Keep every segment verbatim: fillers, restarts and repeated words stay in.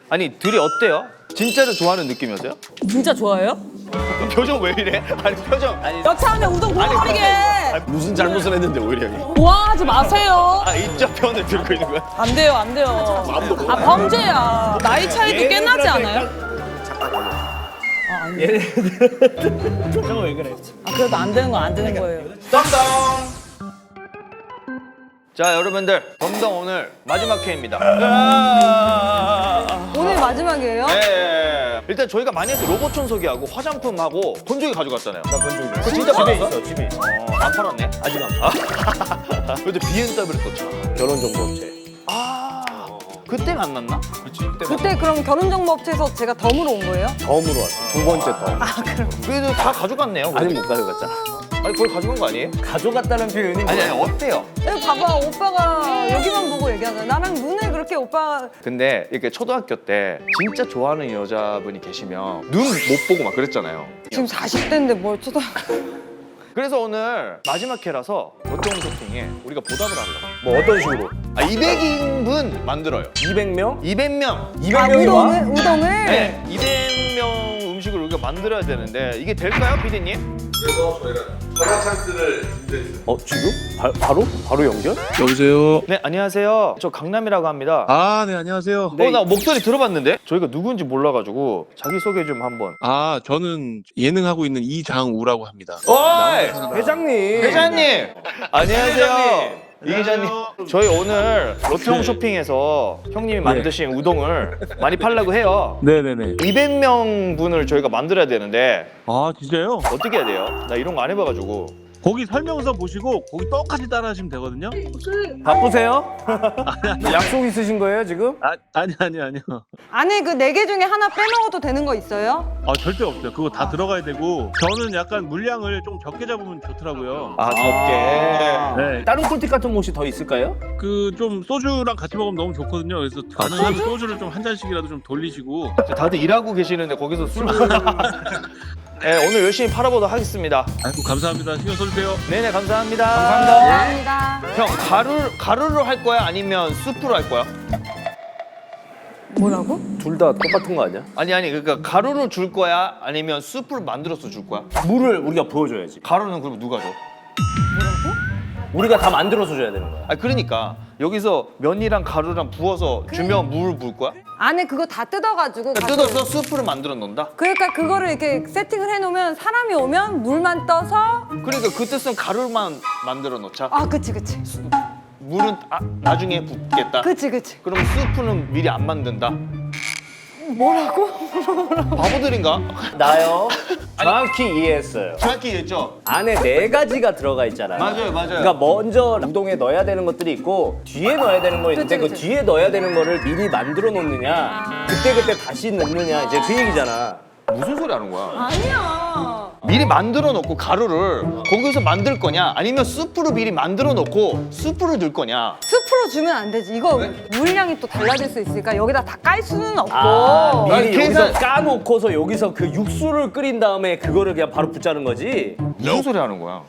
아니 둘이 어때요? 진짜로 좋아하는 느낌이었어요? 진짜 좋아해요? 표정 왜 이래? 아니 표정 아니 여차하면 우동 부어버리게. 무슨 잘못을 했는데 오히려 형이. 좋아하지 마세요. 아 이쪽 편을 들고 있는 거야? 안 돼요, 안 돼요. 아 범죄야. 나이 차이도 꽤 나지 않아요? 아 아니. 표정은 왜 그래? 아 그래도 안 되는 건 안 되는 거예요. 덤덤. 자 여러분들 덤덤 오늘 마지막 회입니다. 오늘 마지막이에요? 네. 일단 저희가 많이 해서 로봇 청소기하고 화장품하고 돈조기 가져갔잖아요. 나 본적 그거 진짜 집에 받았어? 있어 집에 있어. 어, 안 팔았네. 아직 안. 아. 근데 비엔더블유를 또 차. 결혼정보업체. 아 그때 만났나? 그렇지. 그때 그럼 결혼정보업체에서 제가 덤으로 온 거예요? 덤으로 왔어. 두 번째 덤. 그래도 다 가져갔네요. 아직 못 가져갔잖아. 아니 거의 가져간 거 아니에요? 가져갔다는 표현이 아니 아니 어때요? 여기 봐봐, 오빠가 여기만 보고 얘기하잖아. 나랑 눈을 그렇게 오빠 근데 이렇게 초등학교 때 진짜 좋아하는 여자분이 계시면 눈 못 보고 막 그랬잖아요. 지금 사십 대인데 뭘 쳐다. 그래서 오늘 마지막 회라서 롯데홈 쇼핑에 우리가 보답을 하려고. 뭐 어떤 식으로? 아 이백 인분 만들어요. 이백 명? 이백 명. 이백 아, 명이 와? 우동을? 우동을? 네. 이백 명 음식을 우리가 만들어야 되는데 이게 될까요, 피디님? 그래서 저희가 전화 찬스를 준비했어요. 어 지금? 바, 바로? 바로 연결? 여보세요. 네, 안녕하세요. 저 강남이라고 합니다. 아, 네, 안녕하세요. 어, 나 목소리 들어봤는데? 저희가 누군지 몰라가지고 자기소개 좀 한번. 아, 저는 예능하고 있는 이장우라고 합니다. 어이! 회장님. 회장님! 안녕하세요. 이 기자님, 저희 오늘 롯데홈 쇼핑에서 형님이 만드신 우동을 많이 팔려고 해요. 네네네. 이백 명 분을 저희가 만들어야 되는데 아, 진짜요? 어떻게 해야 돼요? 나 이런 거 안 해봐가지고. 거기 설명서 보시고 거기 똑같이 따라하시면 되거든요. 바쁘세요? 약속 있으신 거예요 지금? 아, 아니, 아니, 아니요. 안에 그 네 개 중에 하나 빼먹어도 되는 거 있어요? 아, 절대 없어요. 그거 다 들어가야 되고 저는 약간 물량을 좀 적게 잡으면 좋더라고요. 아, 덥게. 네. 다른 꿀팁 같은 거 혹시 더 있을까요? 그 좀 소주랑 같이 먹으면 너무 좋거든요. 그래서 가능하면 소주를 좀 한 잔씩이라도 좀 돌리시고. 다들 일하고 계시는데 거기서 술 네, 오늘 열심히 팔아보도록 하겠습니다. 아이고, 감사합니다. 신경 써주세요. 네네, 감사합니다. 감사합니다. 형, 가루, 가루로 할 거야? 아니면 수프로 할 거야? 뭐라고? 둘 다 똑같은 거 아니야? 아니, 아니, 그러니까 가루를 줄 거야? 아니면 수프를 만들어서 줄 거야? 물을 우리가 부어줘야지. 가루는 그럼 누가 줘? 우리가 다 만들어서 줘야 되는 거야. 아, 그러니까 여기서 면이랑 가루랑 부어서 주면 물 부을 거야? 안에 그거 다 뜯어가지고 가서- 뜯어서 수프를 만들어 놓는다? 그러니까 그거를 이렇게 세팅을 해놓으면 사람이 오면 물만 떠서 그러니까 그 뜻은 가루만 만들어 놓자. 아 그치 그치 물은 아, 나중에 붓겠다. 그치 그치 그럼 수프는 미리 안 만든다. 뭐라고? 바보들인가? 나요? 정확히 이해했어요. 정확히 얘기했죠? 안에 네 가지가 들어가 있잖아요. 맞아요, 맞아요. 그러니까 먼저 우동에 넣어야 되는 것들이 있고 뒤에 넣어야 되는 거 있는데 그치, 그 그치. 뒤에 넣어야 되는 거를 미리 만들어 놓느냐 그때 그때 다시 넣느냐 이제 그 얘기잖아. 무슨 소리 하는 거야? 아니야 미리 만들어 놓고 가루를 거기서 만들 거냐? 아니면 수프를 미리 만들어 놓고 수프를 넣을 거냐? 스프로 주면 안 되지 이거 물량이 또 달라질 수 있으니까 여기다 다 깔 수는 없고 아, 미리 아니, 여기서 계산- 까놓고서 여기서 그 육수를 끓인 다음에 그거를 그냥 바로 붓자는 거지. 무슨 소리 하는 거야?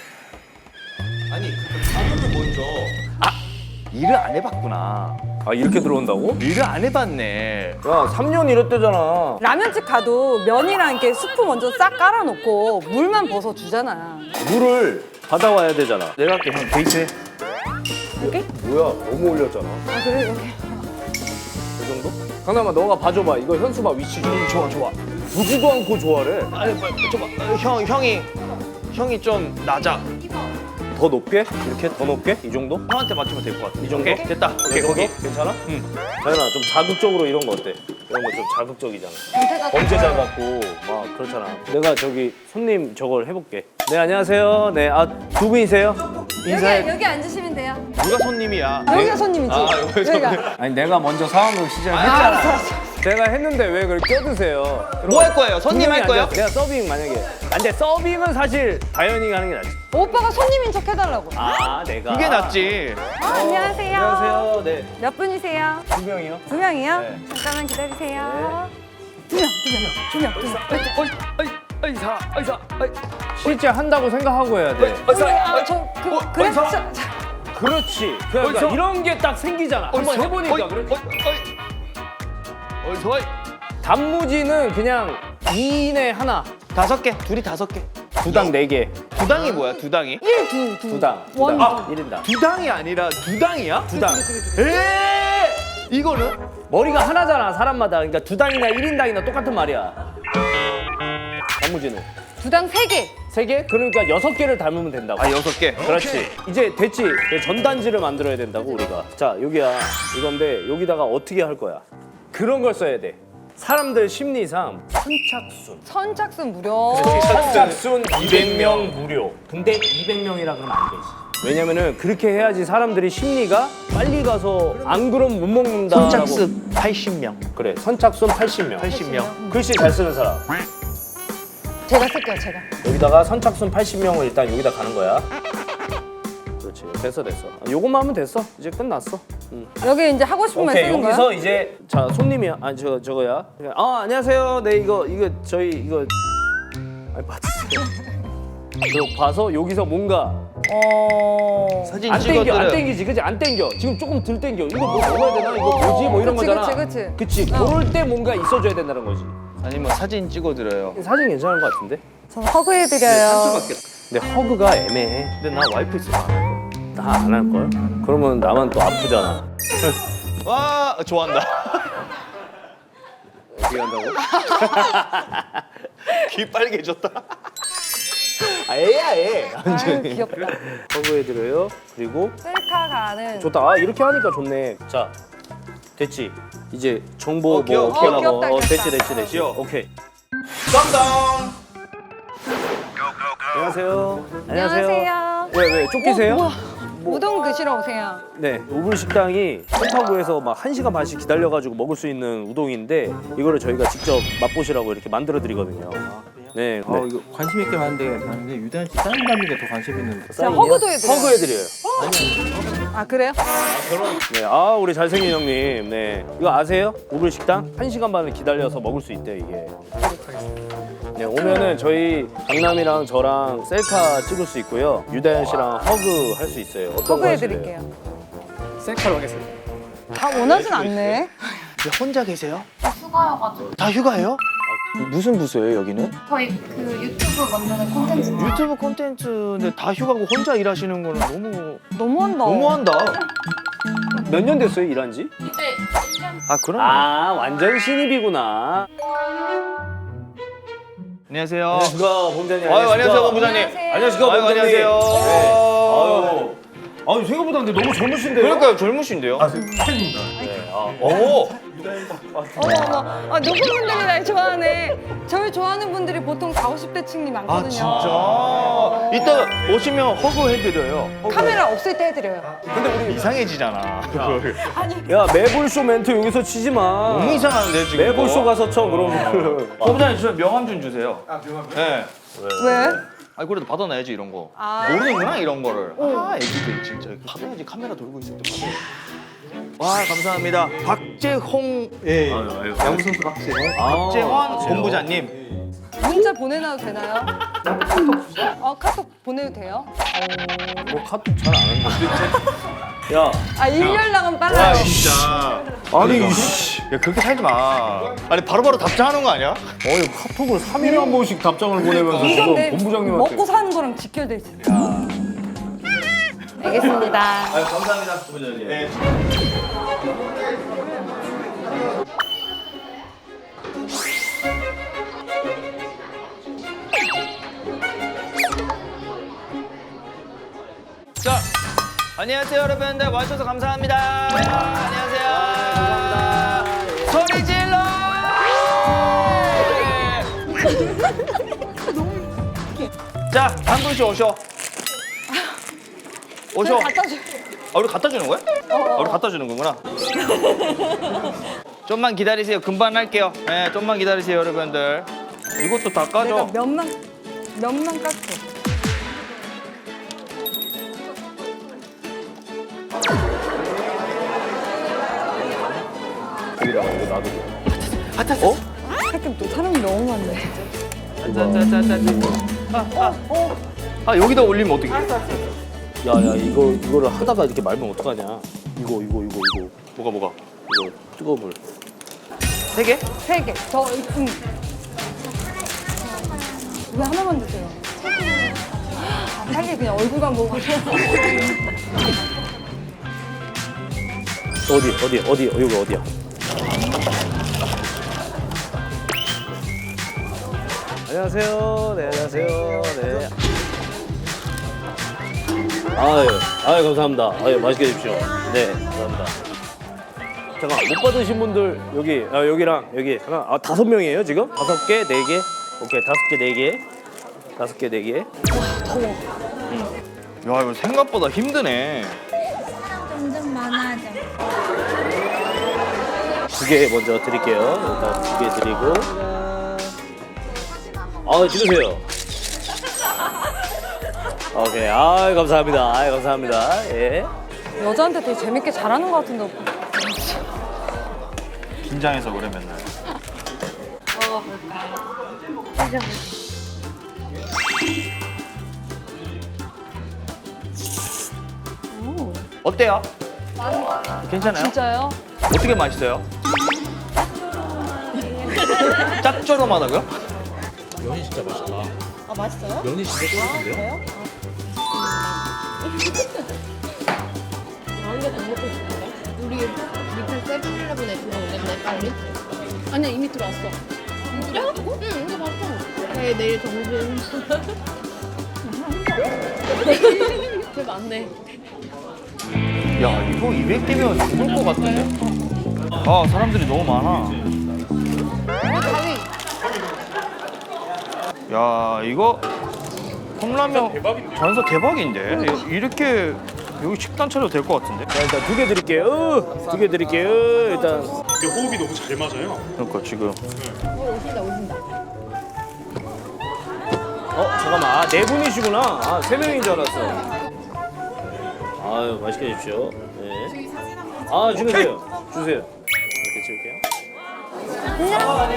아니, 가루를 먼저 아, 일을 안 해봤구나. 아 이렇게 들어온다고? 일을 안 해봤네. 야 삼 년 이랬대잖아. 라면집 가도 면이랑 이렇게 스프 먼저 싹 깔아놓고 물만 벗어 주잖아 물을 받아와야 되잖아. 내가 할게, 형 데이트 해. 이렇게? 뭐야 너무 올렸잖아. 아 그래 이렇게 이 정도? 강남아 너가 봐줘봐. 이거 현수막 위치 좀. 좋아, 좋아. 보지도 않고 좋아래. 아니, 빨리 줘봐. 어, 형, 형이 형이 좀 낮아. 더 높게? 이렇게 더 높게? 이 정도? 형한테 맞추면 될 것 같아. 이 정도? 오케이, 됐다. 오케이, 이 정도? 거기. 괜찮아? 응. 자연아 좀 자극적으로 이런 거 어때? 이런 거 좀 자극적이잖아. 전체가 범죄자 같고 막 그렇잖아. 내가 저기 손님 저걸 해볼게. 네 안녕하세요. 네 아 두 분이세요? 인사해. 여기, 여기 앉으시면 돼요 누가 손님이야? 여기가 손님이지 아, 여기 손님. 여기가 아니 내가 먼저 상황을 시작했잖아. 제가 했는데 왜 그걸 껴드세요? 뭐 할 거예요? 손님 할 거예요? 내가 서빙 만약에. 아, 근데 서빙은 사실 다현이가 하는 게 낫지. 오빠가 손님인 척 해달라고 아 내가. 그게 낫지. 아, 안녕하세요 안녕하세요. 네. 몇 분이세요? 두 명이요. 두 명이요? 네. 잠깐만 기다리세요 두 명, 두 명, 두 명, 두 명. 의사, 의사, 실제 한다고 생각하고 해야 돼. 아, 저 그, 그래 어이사. 자, 자, 그렇지. 그러니까 의사. 이런 게 딱 생기잖아. 한번 해보니까 그렇지. 어이 좋아. 단무지는 그냥 이 인에 하나. 다섯 개. 둘이 다섯 개. 두당 네 개. 두당이 뭐야? 두당이? 일, 두, 두. 두당. 원, 두당. 두. 일 인당. 두당이 아니라 두당이야? 두당. 에 이거는? 머리가 하나잖아, 사람마다. 그러니까 두당이나 일 인당이나 똑같은 말이야. 단무지는. 두당 세 개. 세 개? 그러니까 여섯 개를 닮으면 된다고. 아 여섯 개. 그렇지. 이제 됐지. 이제 전단지를 만들어야 된다고 우리가. 자, 여기야. 이건데 여기다가 어떻게 할 거야? 그런 걸 써야 돼. 사람들 심리상 선착순. 선착순 무료. 선착순 이백 명 무료. 근데 이백 명이라 그러면 안 되지. 왜냐면은 그렇게 해야지 사람들이 심리가 빨리 가서 안 그러면 못 먹는다라고. 선착순 팔십 명. 그래. 선착순 팔십 명. 팔십 명. 글씨 잘 쓰는 사람. 제가 쓸게요, 제가. 여기다가 선착순 팔십 명을 일단 여기다 가는 거야. 그렇지. 됐어, 됐어. 요것만 하면 됐어. 이제 끝났어. 응. 여기 이제 하고 싶은 말 오케이, 쓰는 여기서 거야? 이제 자 손님이야. 아니 저 저거야. 아 안녕하세요. 네 이거 이거 저희 이거 아니 봐주세요. 그리고 봐서 여기서 뭔가 어. 사진 안 땡겨 안 찍어드려요. 땡기지, 그치? 안 땡겨. 지금 조금 덜 땡겨. 이거 뭐 먹어야 되나? 이거 뭐지? 뭐 이런 그치, 거잖아. 그치, 그치. 그치. 어. 그럴 때 뭔가 있어줘야 된다는 거지. 아니면 사진 찍어드려요. 사진 괜찮은 것 같은데? 전 허그해드려요. 근데 허그가 애매해. 근데 나 와이프 있어. 다 안 할 걸? 그러면 나만 또 아프잖아. 와 좋아한다. 어떻게 한다고? 귀 빨개졌다. 아 애야 애. 아유, 귀엽다. 허그해드려요. 그리고 셀카 가는. 좋다. 아, 이렇게 하니까 좋네. 자, 됐지. 이제 정보 어, 귀여워. 뭐 어떻게 어, 하고? 귀엽다, 어, 귀엽다. 됐지, 됐지, 됐지. 귀여워. 오케이. 깜당. 안녕하세요. 안녕하세요. 왜, 왜 쫓기세요? 어, 뭐야? 우동 드시러 오세요. 네, 오불 식당이 송파구에서 막 한 시간 반씩 기다려가지고 먹을 수 있는 우동인데 이거를 저희가 직접 맛보시라고 이렇게 만들어 드리거든요. 네, 어, 이거 관심 있게 봤는데 봤는데 유단 씨 사인 받는 게 더 관심 있는데. 자, 허그도 해드려요. 허그해드려요. 아, 그래요? 네, 아 우리 잘생긴 형님. 네, 이거 아세요? 오불 식당 한 시간 반을 기다려서 먹을 수 있대 이게. 네, 오면은 저희 강남이랑 저랑 셀카 찍을 수 있고요. 유다현 씨랑 허그 할 수 있어요. 어떤 거 하실래요? 허그해드릴게요. 셀카로 하겠습니다. 다 원하진 않네. 혼자 계세요? 휴가여가지고 다 휴가예요? 무슨 부서예요 여기는? 저희 그 유튜브 만드는 콘텐츠 유튜브 콘텐츠인데 다 휴가고 혼자 일하시는 거는 너무 너무한다. 너무한다. 몇 년 됐어요 일한 지? 이제 일 년 아 그럼. 아 완전 신입이구나. 안녕하세요. 안녕하십니까 본부장님. 아유 안녕하세요 본부장님. 안녕하세요. 안녕하십니까 아유, 본부장님. 안녕하세요. 네. 아유. 아유 생각보다 근데 너무 젊으신데요? 그러니까요 젊으신데요. 팬입니다. 네. 아, 오. 어머, 어머. 아, 누구 분들이 날 좋아하네. 저를 좋아하는 분들이 보통 사오십 대 층이 많거든요. 아 진짜. 이따 오시면 허그 해드려요. 허그. 카메라 없을 때 해드려요. 근데 우리 이상해지잖아. 야 매불쇼 멘트 여기서 치지 마. 너무 이상한데 지금. 매불쇼 가서 쳐 그럼. 본부장님 저 명함 좀 주세요. 아, 명함. 네. 왜? 아니 그래도 받아놔야지 이런 거. 아. 모르는구나 이런 거를. 아 애기들 진짜 받아야지 카메라 돌고 있을 때 받아요. 와 감사합니다. 박재홍 예. 아유, 야구 선수 박지. 박재환 본부장님. 문자 보내놔도 되나요? 어, 카톡 보내도 돼요? 뭐 카톡 잘 안 하는데. 야. 아, 일 년락은 와 빨라요. 진짜. 아니 이씨. 야 그렇게 살지 마. 아니 바로바로 답장하는 거 아니야? 어이 카톡을 삼 일에 한 번씩 답장을 보내면서 이건 지금 내 본부장님한테. 먹고 사는 거랑 직결돼 있어요. 알겠습니다. 아유 감사합니다 본부장님. 네. 자, 안녕하세요 여러분들 와주셔서 감사합니다. 안녕하세요. 감사합니다. 소리 질러. 자, 한 분씩 오셔. 오셔. 갖다 줘. 아, 우리 갖다 주는 거야? 아, 우리 갖다 주는 거구나. 좀만 기다리세요. 금방 할게요. 네, 좀만 기다리세요 여러분들. 이것도 다 내가 까줘. 몇만 몇만 깎게. 여기다가 이거 놔두고. 하여튼 또 사람이 너무 많네. 짜짜짜짜. 아, 아, 어. 아 여기다 올리면 어떡해? 야야 이거 이거를 하다가 이렇게 말면 어떡하냐. 이거 이거 이거 이거 뭐가 뭐가? 이거 뜨거운 물. 세 개? 세 개. 저, 음. 왜 하나만 드세요? 아, 빨리 그냥 얼굴만 보고 가세요. 어디 어디 어디 여기 어디야? 안녕하세요. 네 안녕하세요. 네. 아유 아유 감사합니다. 아유 맛있게 드십시오. 네 감사합니다. 잠깐 못 받으신 분들 여기 아, 여기랑 여기 하나 아 다섯 명이에요 지금? 다섯 개 네 개 오케이 다섯 개 네 개 다섯 개 네 개. 야 이거 생각보다 힘드네. 점점 많아져. 두 개 먼저 드릴게요. 일단 두 개 드리고. 아 찍으세요. 오케이. 아 감사합니다. 아 감사합니다. 예. 여자한테 되게 재밌게 잘하는 것 같은데, 오빠. 긴장해서 그래 맨날. 어때요? 괜찮아요? 진짜요? 어떻게 맛있어요? 짭조름하다고요? 면이 진짜 맛있다. 아 맛있어요? 면이 진짜 쫄깃한데요? 우리 밑에 세븐일레븐에 들어오겠네 빨리. 아니야 이미 들어왔어. 그래? 응 이거 봤어. 네 내일 정신. 개 많네. 야 이거 이백 개면 죽을 것 같은데? 아 사람들이 너무 많아. 야 이거 컵라면 전서 대박인데? 이렇게 여기 식단 차려도 될 것 같은데? 자 일단 두 개 드릴게요. 두 개 드릴게요. 일단 호흡이 너무 잘 맞아요. 그러니까 지금 오신다 오신다. 어 잠깐만 아, 네 분이시구나. 아 세 명인 줄 알았어. 아유 맛있게 드십시오. 네. 아 주세요. 주세요. 이렇게 찍을게요.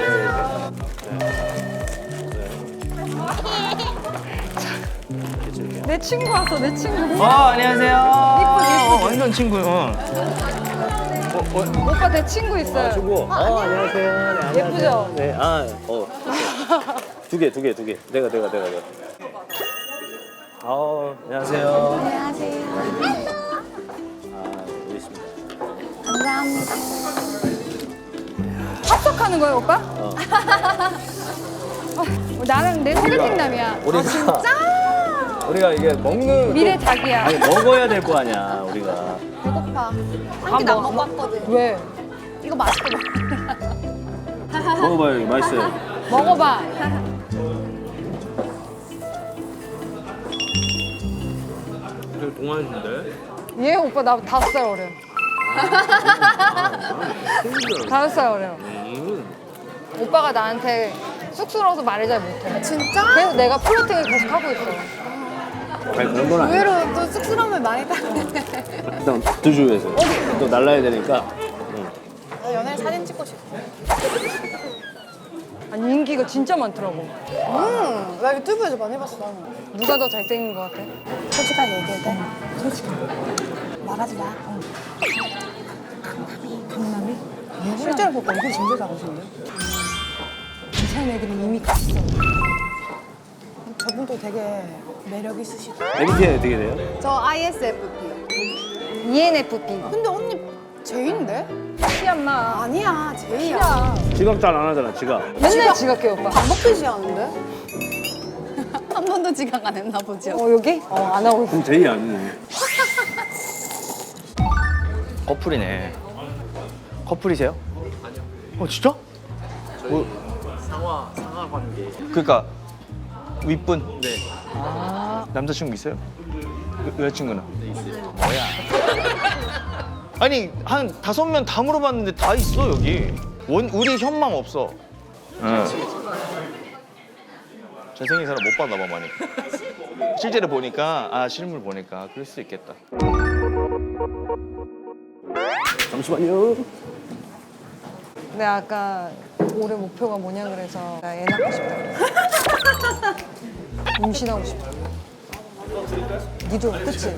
내 친구 왔어, 내 친구. 아 안녕하세요. 이쁘지, 이쁘지? 어, 완전 친구. 응. 오빠 내 친구 있어요. 주고. 아 안녕하세요. 네, 안녕하세요. 예쁘죠? 네. 아 어. 두 개, 두 개, 두 개. 내가, 내가, 내가, 내가. 아 안녕하세요. 안녕하세요. 아 여기 있습니다. 감사합니다. 합석하는 거예요, 오빠? 어. 어, 나는 내 소개팅남이야. 우리가 우리가 이게 먹는 미래 자기야. 아니 먹어야 될 거 아니야 우리가. 배고파. 한 밥 끼도 안 먹어? 먹었거든. 왜? 이거 맛있게 먹어. 먹어봐요 이거 맛있어요. 먹어봐. 되게 동안인데? 얘 오빠 나 다섯 살 어려. 다섯 살 어려. 오빠가 나한테 쑥스러워서 말을 잘 못해. 진짜? 그래서 내가 플러팅을 계속 하고 있어. 아니 그런 건 아니야. 의외로 또 쑥스러움을 많이 타네. 일단 드주에서 또 날라야 되니까. 나 연애 사진 찍고 싶어. 아니 인기가 진짜 많더라고. 음, 나 유튜브에서 많이 봤어. 누가 더 잘생긴 것 같아? 솔직하게 얘기해도 돼? 솔직하게. 말하지 마. 강남이? 실제로 보고 얼굴 진짜 작으신데? 이상 애들은 이미 갔어. 저분도 되게 매력 있으시고. 엠비티아이 어떻게 돼요? 저 아이에스에프피요. 이엔에프피. 근데 언니 제이인데? 시엄마. 아니야, 제이야. 지각 잘 안 하잖아 지각. 맨날 지각해 오빠. 반복듯이 하는데? 한 번도 지각 안 했나 보죠. 어 여기? 어 안 하고 있어. 그럼 제이 아니네. 커플이네. 커플이세요? 아니요. 어 진짜? 뭐, 상하, 상하 관계. 그러니까 윗분. 네. 아 남자친구 있어요? 여, 여자친구는? 네, 있어요. 뭐야? 아니 한 다섯 명 다 물어봤는데 다 있어 여기. 원 우리 현망 없어. 응. 잘생긴 사람 못 봤나 봐 많이. 실제로 보니까 아 실물 보니까 그럴 수 있겠다. 잠시만요. 내가 아까 올해 목표가 뭐냐 그래서 나 애 낳고 싶다. 임신하고 싶다. 니도 그치?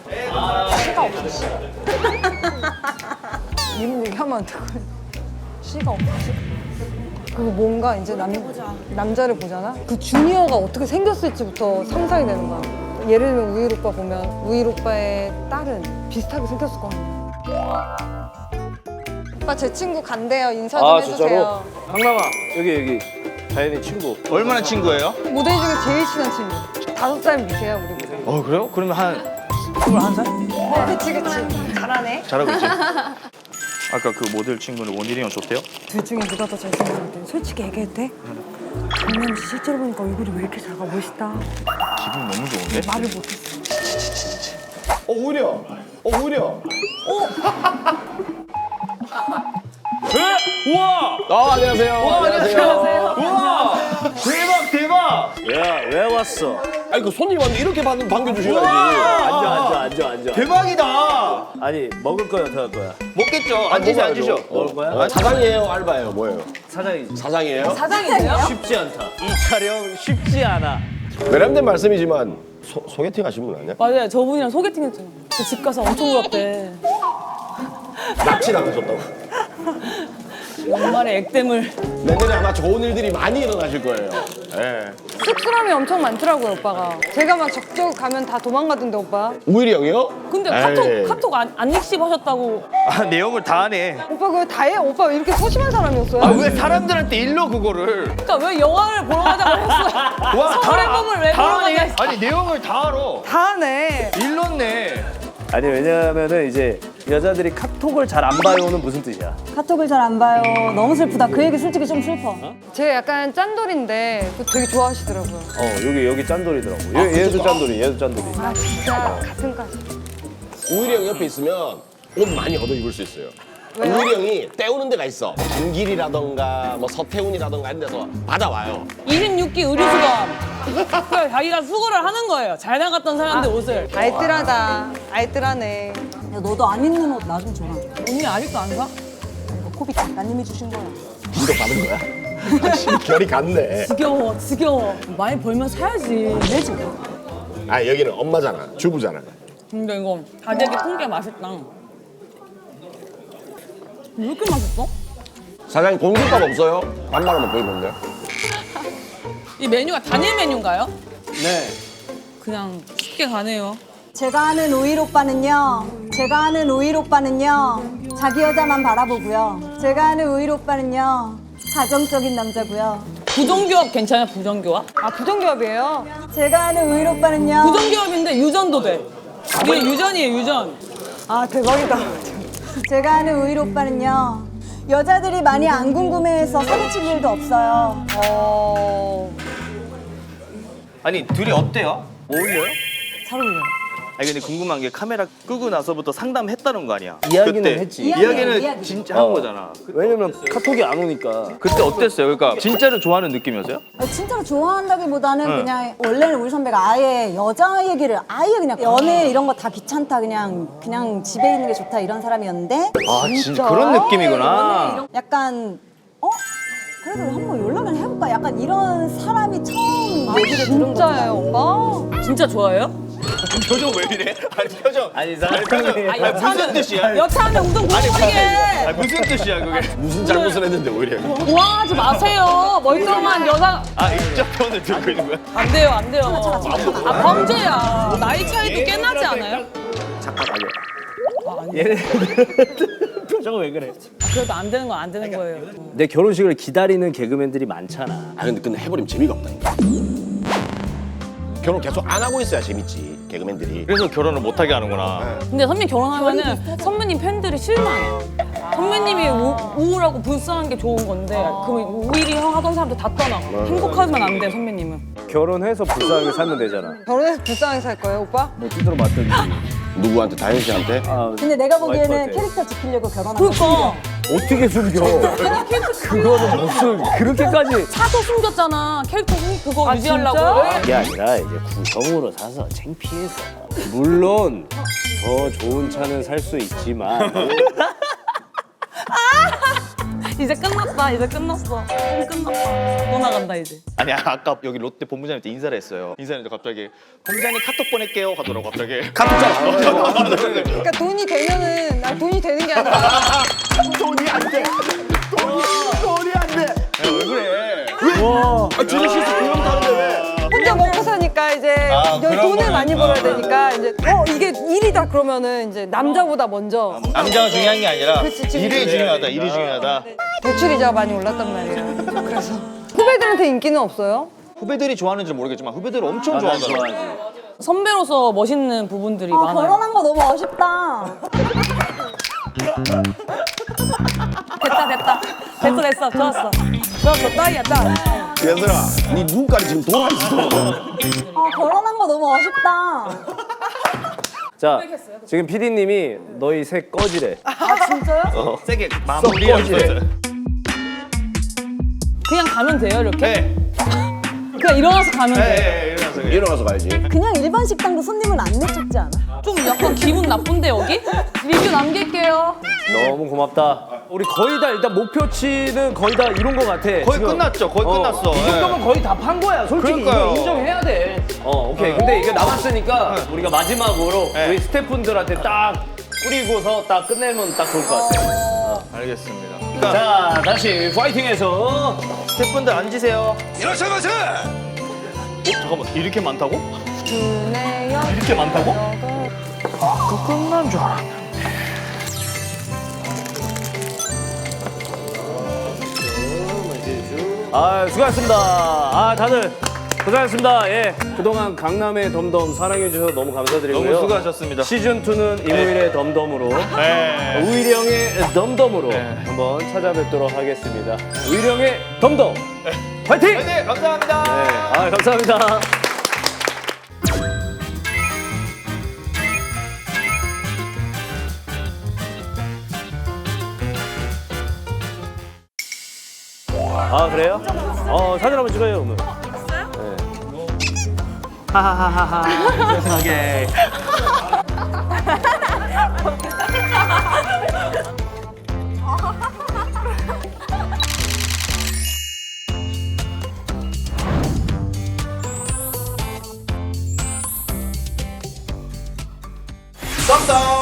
시가 없어 씨. 이런 얘기하면 안 되고 C가 없어. 그거 뭔가 이제 남, 남자를 보잖아? 그 주니어가 어떻게 생겼을지부터 상상이 되는 거야. 예를 들면 우일 오빠 보면 우일 오빠의 딸은 비슷하게 생겼을 거 아니야. 오빠 제 친구 간대요. 인사 좀 아 해주세요. 진짜로? 강남아 여기 여기 자연이 친구. 얼마나 친구예요? 모델 중에 제일 친한 친구. 다섯 살 밑이야 우리 모델. 어 그래요? 그러면 한 스물한 살? 그치 그치. 잘하네. 잘하고 있지. 아까 그 모델 친구는 원일이 형 좋대요? 둘 중에 누가 더 잘생겼는데 솔직히 얘기해도 돼? 강남 씨 실제로 보니까 얼굴이 왜 이렇게 작아 멋있다. 기분 너무 좋은데? 말을 못했어. 어 오히려 어 오히려 에? 우와! 아 안녕하세요. 안녕하세요. 우와! 대박 대박! 야왜 왔어? 아니 그 손님 왔는데 이렇게 반, 반겨주셔야지. 앉아 앉아 앉아 앉아. 대박이다! 아니 먹을 거야 어떻게 할 거야? 먹겠죠. 앉으시 앉으셔. 먹을 거야? 아, 사장이에요 알바예요 뭐예요? 사장이지. 사장이에요? 사장이세요? 쉽지 않다. 이 촬영 쉽지 않아. 외람된 말씀이지만 소, 소개팅 하신 분 아니야? 맞아요. 저분이랑 소개팅 했잖아. 그 집 가서 엄청 울었대. 납치 당하셨다고. 연말에 액땜을. 내년에 아마 좋은 일들이 많이 일어나실 거예요. 예. 쑥스러움이 엄청 많더라고요 오빠가. 제가 막 적적 가면 다 도망가던데 오빠. 우일이 형이요? 근데 에이. 카톡 카톡 안, 안 익십하셨다고. 아 내용을 다 하네. 오빠 그거 다 해? 오빠 왜 이렇게 소심한 사람이었어요? 아 왜 사람들한테 일러 그거를? 그러니까 왜 영화를 보러 가자고 했어? 와, 서울의 다- 꿈을 왜 다 보러 하네? 가자 했어? 아니 내용을 다 알아. 다 하네. 일렀네. 아니 왜냐면은 이제 여자들이 카톡을 잘 안 봐요는 무슨 뜻이야? 카톡을 잘 안 봐요. 너무 슬프다. 그 얘기 솔직히 좀 슬퍼. 제가 약간 짠돌인데 그거 되게 좋아하시더라고요. 어 여기 여기 짠돌이더라고. 얘, 얘도 짠돌이, 얘도 짠돌이. 아 진짜 가슴까지. 우일이 형 옆에 있으면 옷 많이 얻어 입을 수 있어요. 왜요? 우일이 형이 때우는 데가 있어. 김길이라던가 뭐 서태훈이라던가 이런 데서 받아와요. 이십육 기 의류수감. 그러니까 자기가 수거를 하는 거예요. 잘 나갔던 사람들 옷을. 알뜰하다. 알뜰하네. 야, 너도 안 입는 옷 나 좀 줘라. 언니 아직도 안 사? 이거 코비 작가님이 주신 거야. 이거 받은 거야? 아, 결이 같네. 지겨워, 지겨워. 많이 벌면 사야지. 내지. 아 여기는 엄마잖아. 주부잖아. 근데 이거 다대기 통깨 맛있다. 왜 이렇게 맛있어? 사장님 공깃밥 없어요? 반만 먹고 있는데. 이 메뉴가 단일 메뉴인가요? 네. 그냥 쉽게 가네요. 제가 아는 우일 오빠는요. 제가 아는 우일 오빠는요. 자기 여자만 바라보고요. 제가 아는 우일 오빠는요. 가정적인 남자고요. 부정교합 괜찮아요? 부정교합? 아 부정기업이에요? 제가 아는 우일 오빠는요. 부정교합인데 유전도 돼. 이게 유전이에요, 유전. 아 대박이다. 제가 아는 우일 오빠는요. 여자들이 많이 안 궁금해해서 사기칠 일도 없어요. 어... 아니 둘이 어때요? 어울려요? 잘 어울려요. 아니 근데 궁금한 게 카메라 끄고 나서부터 상담했다는 거 아니야? 이야기는 그때. 했지. 이야기는 이야기. 진짜 한 어. 거잖아. 왜냐면 카톡이 안 오니까. 그때 어땠어요? 그러니까 진짜로 좋아하는 느낌이었어요? 아, 진짜로 좋아한다기보다는 응. 그냥 원래는 우리 선배가 아예 여자 얘기를 아예 그냥 연애 이런 거 다 귀찮다 그냥 그냥 집에 있는 게 좋다 이런 사람이었는데 아 진짜 그런 느낌이구나. 이런- 약간 어? 그래도 한번 연락을 해볼까? 약간 이런 사람이 처음 얘기를 들은 진짜예요 거죠. 오빠? 진짜 좋아해요? 표정 왜 이래? 아니 표정. 아니 아니 표정. 사람이 아니 무슨 뜻이야? 여차하면 우동 굴러버리게. 아니 무슨 뜻이야 그게? 무슨 잘못을 했는데 오히려. 우왕하지 마세요. 멀쩡한 여자. 아 인적 표현을 들고 있는 거야? 안 돼요, 안 돼요. 아, 범죄야. 나이 차이도 꽤 나지 않아요? 잠깐 아니야. 아, 아니. 얘네 표정은 왜 그래? 아, 그래도 안 되는 건 안 되는 거예요. 내 결혼식을 기다리는 개그맨들이 많잖아. 아 근데 근데 해버리면 재미가 없다니까. 결혼 계속 안 하고 있어야 재밌지 개그맨들이. 그래서 결혼을 못 하게 하는구나. 근데 선배님 결혼하면은 선배님 팬들이 실망해. 선배님이 우, 우울하고 불쌍한 게 좋은 건데 그럼 우일이 형 하던 사람들 다 떠나고 행복하면 안 돼 선배님은. 결혼해서 불쌍하게 살면 되잖아. 결혼해서 불쌍하게 살 거예요 오빠? 뭐 뚜드러 맞든지. 누구한테 다현 씨한테? 아, 근데 내가 보기에는 와이프한테. 캐릭터 지키려고 결혼한 거 그러니까 어떻게 숨겨? 그거는 무슨 그렇게까지. 사서 숨겼잖아. 캐릭터 숨 그거 아, 유지하려고. 진짜? 그게 아니라 이제 구성으로 사서 창피해서. 물론 더 좋은 차는 살 수 있지만 이제 끝났다. 이제 끝났어. 음, 끝났다. 또 나간다 이제. 아니 아까 여기 롯데 본부장님한테 인사를 했어요. 인사했는데 갑자기 본부장님 카톡 보낼게요 하더라고 갑자기. 그러니까 돈이 되면은 난 돈이 되는 게 아니라 돈이 안 돼. 돈이 안 돼. 왜 그래? 와. 아, 진짜 실수 그럼 다는데 왜? 혼자 먹고 사니까 이제 아, 여기 그런 돈을 거는- 많이 벌어야 되니까 이제 어 이게 일이다 그러면은 이제 남자보다 먼저 남자가 중요한 게 아니라 그치, 지금 일이 그래. 중요하다. 일이 중요하다. 대출이자가 많이 올랐단 말이에요. 그래서 후배들한테 인기는 없어요? 후배들이 좋아하는지 모르겠지만 후배들 엄청 좋아하더라고. 선배로서 멋있는 부분들이 아, 많아요. 결혼한 거 너무 아쉽다. 됐다 됐다 됐어 됐어 좋았어 좋았어 딱이야 딱. 얘들아, 네 눈깔이 지금 돌아 있어. 아, 결혼한 거 너무 아쉽다. 자, 지금 피디님이 너희 셋 꺼지래. 아, 진짜요? 세게 마무리했어요. 그냥 가면 돼요 이렇게? 네. 그냥 일어나서 가면 네, 돼. 네, 일어나서 그냥. 일어나서 가야지. 그냥 일반 식당도 손님을 안 내쫓지 않아? 좀 약간 기분 나쁜데 여기? 리뷰 남길게요. 너무 고맙다. 우리 거의 다 일단 목표치는 거의 다 이룬 것 같아. 거의 끝났죠. 거의 끝났어. 이 정도면 거의 다 판 거야. 솔직히 그러니까요. 이거 인정해야 돼. 어, 오케이. 근데 이게 남았으니까 우리가 마지막으로 네. 우리 스태프분들한테 딱 뿌리고서 딱 끝내면 딱 좋을 것 같아. 알겠습니다. 그러니까 자, 다시 파이팅해서. 스태프분들 앉으세요. 일어서면서. 잠깐만 이렇게 많다고? 이렇게 많다고? 아까 끝난 줄 알았는데. 아, 수고하셨습니다. 아, 다들 고생하셨습니다. 예. 그동안 강남의 덤덤 사랑해주셔서 너무 감사드리고요. 너무 수고하셨습니다. 시즌이는 이무일의 덤덤으로. 네. 우일이 형의 덤덤으로 네. 한번 찾아뵙도록 하겠습니다. 우일이 형의 덤덤 파이팅! 네, 네, 감사합니다. 아, 감사합니다. 아, 그래요? 어, 사진 한번 찍어요, 오늘. 하하하하. 세상에. 썸썸.